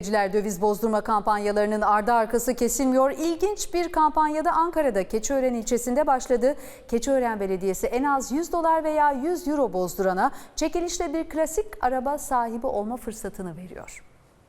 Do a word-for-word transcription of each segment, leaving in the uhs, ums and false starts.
Döviz bozdurma kampanyalarının ardı arkası kesilmiyor. İlginç bir kampanyada Ankara'da Keçiören ilçesinde başladı. Keçiören Belediyesi en az yüz dolar veya yüz euro bozdurana çekilişle bir klasik araba sahibi olma fırsatını veriyor.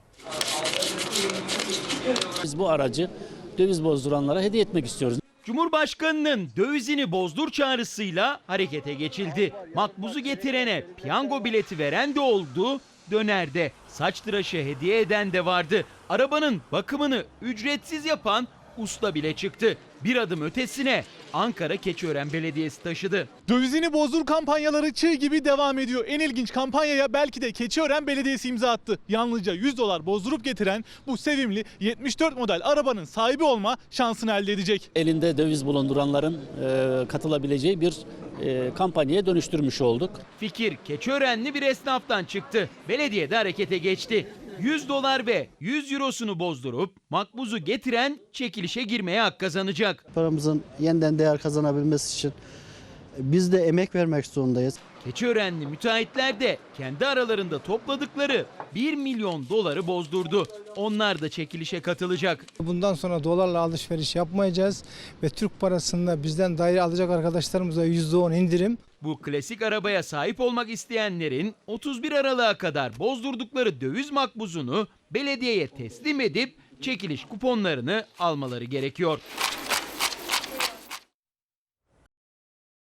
Biz bu aracı döviz bozduranlara hediye etmek istiyoruz. Cumhurbaşkanının dövizini bozdur çağrısıyla harekete geçildi. Makbuzu getirene piyango bileti veren de oldu, dönerde saç tıraşı hediye eden de vardı. Arabanın bakımını ücretsiz yapan usta bile çıktı. Bir adım ötesine Ankara Keçiören Belediyesi taşıdı. Dövizini bozdur kampanyaları çığ gibi devam ediyor. En ilginç kampanyaya belki de Keçiören Belediyesi imza attı. Yalnızca yüz dolar bozdurup getiren bu sevimli yetmiş dört model arabanın sahibi olma şansını elde edecek. Elinde döviz bulunduranların e, katılabileceği bir e, kampanyaya dönüştürmüş olduk. Fikir Keçiörenli bir esnaftan çıktı. Belediye de harekete geçti. yüz dolar ve yüz eurosunu bozdurup makbuzu getiren çekilişe girmeye hak kazanacak. Paramızın yeniden değer kazanabilmesi için biz de emek vermek zorundayız. Keçiörenli müteahhitler de kendi aralarında topladıkları bir milyon doları bozdurdu. Onlar da çekilişe katılacak. Bundan sonra dolarla alışveriş yapmayacağız ve Türk parasında bizden daire alacak arkadaşlarımıza yüzde on indirim. Bu klasik arabaya sahip olmak isteyenlerin otuz bir Aralık'a kadar bozdurdukları döviz makbuzunu belediyeye teslim edip çekiliş kuponlarını almaları gerekiyor.